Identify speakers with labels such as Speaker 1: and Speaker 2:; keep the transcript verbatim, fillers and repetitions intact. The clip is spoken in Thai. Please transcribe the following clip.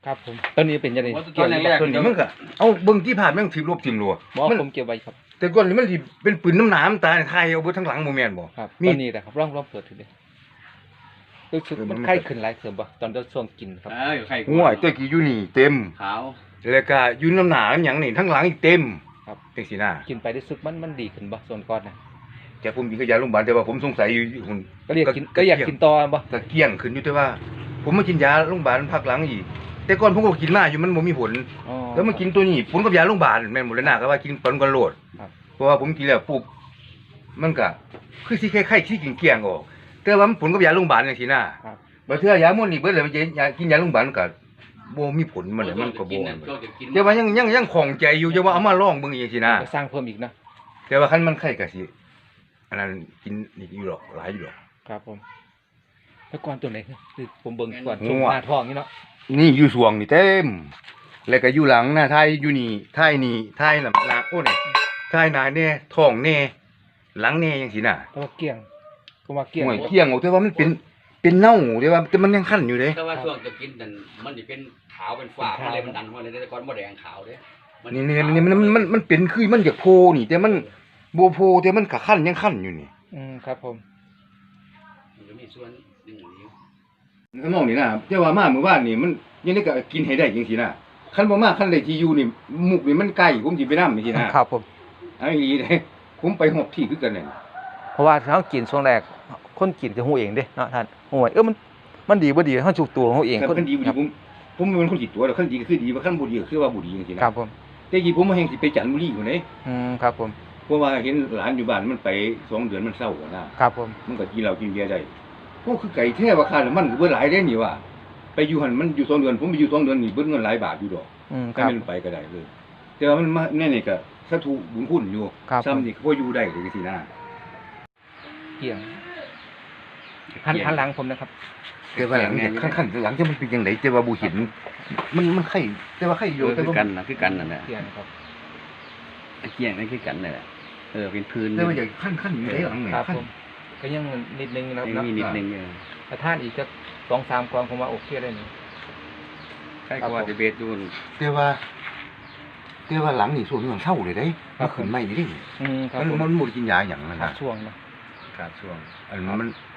Speaker 1: ครับผมตอนนี้เป็นยังไง
Speaker 2: ตอนแรกๆตัวนี้มันก็เอาเบิ่งที่ผ่านแม่งถีบลบทิ่มรัว
Speaker 1: บอก
Speaker 2: มัน
Speaker 1: ผมเก็บไว้ครับ
Speaker 2: แต่ก่อนนี่มันสิเป็นปืนน้ำหนามตาไทยเอาเบิดทั้งหลังบ่แม่นบ่
Speaker 1: ครับ
Speaker 2: มี
Speaker 1: ตอนนี้แหละครับร่องร่องเปิดถึงเลยรู้สึก
Speaker 2: เออมั
Speaker 1: มัน นไข้ขึ้นหลายเสริมบ่ตอนเราช่วงกินครับ
Speaker 3: เออไข่
Speaker 2: ง่วยตัวกี้อยู่นี่เต็ม
Speaker 3: ขาว
Speaker 2: แล้วก็อยู่น้ำหนามหยังนี่ทั้งหลังอีกเต็ม
Speaker 1: ครับ
Speaker 2: จังซี่นะ
Speaker 1: กินไปรู้สึกมันมันดีขึ้นบ่ส่วนก้อนนะ
Speaker 2: แต่ผมกินก็ยาโรงพยาบาลแต่ว่าผมสงสัยอยู่หุ่น
Speaker 1: ก็เรียกกินก็อยากกินต่อบ่
Speaker 2: ก็เกลี้ยงขึ้นอยู่แต่ว่า ผมมากินยาโรงพยาบาลพักหลังอีกแต่ก่อนผมก็กินมาอยู่มันบ่มีผล
Speaker 1: อ๋อ
Speaker 2: แล้วมากินตัวนี้ผลกับยาโรงพยาบาลแม่นหมดเลยนะก็ว่ากินปนกันโลด
Speaker 1: ครับ
Speaker 2: เพราะว่าผมกินแล้วปุ๊บมันก็คือสิคล้ายๆที่กินเกลี้ยงออกแต่ว่ามันผลกับยาโรงพยาบาลจังซี่นะครับ บ่เทื่อยาหมดนี่เบิดเลยมันจะยากินยาโรงพยาบาลก็บ่มีผลมันเลยมันก็บ่แต่ว่ายังยังยังของใจอยู่จะว่าเอามาลองเบิ่งอีกซี่นะ
Speaker 1: จะสร้างเพิ่มอีกนะ
Speaker 2: แต่ว่าคันมันไข้ก็สิอันนั้นกินนี่อยู่หรอกหลายอยู่หรอก
Speaker 1: ครับผมแล้วก่อนตัวไหนคือผมเบิ่งก่อนช่วง
Speaker 2: งัว
Speaker 1: หน้าท้องนี่เนาะ
Speaker 2: นี่อยู่สวงนี่เต็มแล้วก็อยู่หลังหน้าท้ายอยู่นี่ท้ายนี่ท้ายหลังหลังโอ้นี่ท้ายหน้าแน่ท้องแน่หลังแน่จังซี่น่ะ
Speaker 1: เพราะว่าเกลี้ยงก็ว่าเกลี้ยง
Speaker 2: ห่วยเกี้ยงออกแต่ว่ามันเป็นเป็นเน่าแต่ว่าแต่มันยังคันอยู่เด้
Speaker 3: แต่ว่าช่วงจะกินนั่นมันจะเป็นขาวเป็นฝ้าอะไรมันดันเข้ามาในแต่ก่อนบ่แดงขาวเด้
Speaker 2: นี่นี่นี่มันมันมันมันเป็นคือมันอยากโพนี่ แต่มันบ่โพแต่มันก็คันยังคันอยู่นี่
Speaker 1: อืมครับผม
Speaker 3: มันจะมีส่วนหนึ่งอยู่
Speaker 2: น้องนี่นะแต่ว่ามาเมื่อวานนี่มันยังได้ก็กินให้ได้จังซี่นะคันบ่มาคันได้ที่อยู่นี่มุกนี่มันใกล้ผมสิไปนำจังซี่นะครับ
Speaker 1: ผม
Speaker 2: เอาอีหลีเด้ผมไปฮอบที่คือกันนั่น
Speaker 1: เพราะว่าถ้ากินช่วงแรกคนกินจะฮู้เองเด้เนาะท่านโอ้ยเออมันมันดีบ่ดีเฮาจุกตัวของเฮาเอง
Speaker 2: คันดีบ่ดีผมผมเป็นคนจิตตัวแล้วคันดีก็คือดีว่าคันบ่ดีก็คือว่าบ่ดีจังซี่นะครับ
Speaker 1: ผม
Speaker 2: แต่กี้ผมมาแฮงสิไปจันทบุรีพุ่นเด้
Speaker 1: อืมครับผม
Speaker 2: เพราะว่าเห็นหลานอยู่บ้านมันไปสองเดือนมันเศร้าอะนะครับ
Speaker 1: ผม
Speaker 2: มันก็กินเหล้ากินเบียร์ได้โอ้คือไก่แท้ว่าค่าน้ำมันก็เบิดหลายเด้นี่ว่าไปอยู่หั่นมันอยู่สองเดือนผมไปอยู่สองเดือนนี่เบิดเงินหลายบาทอยู่ดอก
Speaker 1: อืมค
Speaker 2: ถ้า
Speaker 1: รับ
Speaker 2: มันไปก็ได้เลยแต่ว่ามันมาแน่นี่ก็สาธุบุญคุณอยู่
Speaker 1: ครับ
Speaker 2: ซ้ำนี่ก็พออยู่ได้เลยจังซี่นะ
Speaker 1: เกลี้ยงหันหันหลังผมนะครับ
Speaker 2: แต่ว่าหลังจากขั้นๆหลังจะมันเป็นจังไดแต่ว่าบ่เห็นมันมันไข่แต่ว่าไข่อ
Speaker 3: เอยู่ อ
Speaker 2: แต่
Speaker 3: คือ
Speaker 2: ว่า
Speaker 3: กันนะคือกันนั่นแหละ
Speaker 1: เกลี้ยงครับ
Speaker 3: ไอ้เกี้ยงนั่นคือกันนั่นแหละเออเป็นพื้น
Speaker 2: แต่ว่าอย่างขั้นๆอยู่ได้หลังนี่
Speaker 1: ครับ
Speaker 2: ขั้น
Speaker 1: ผมก็ยังนิดนึงนะครับ
Speaker 3: ยัง
Speaker 1: เนาะ
Speaker 3: มีนิดนึงอยู่
Speaker 1: ถ้าท่านอีกสักสองสามกล่องผมว่าโอเคได้นี่
Speaker 3: ใครก็ว่าจะเบสดูน
Speaker 2: แต่ว่าแต่ว่าหลังนี่ส่วนมันเศร้าเลยเด้มันขึ้นไม่นี่เด้
Speaker 1: อืมครับ
Speaker 2: มัน
Speaker 1: ผม
Speaker 2: มันบ่ได้กินยาหยังนั่น
Speaker 1: ขาด
Speaker 2: น่ะ
Speaker 1: ช่วงนะ
Speaker 3: ขาดช่วง
Speaker 2: อันมัน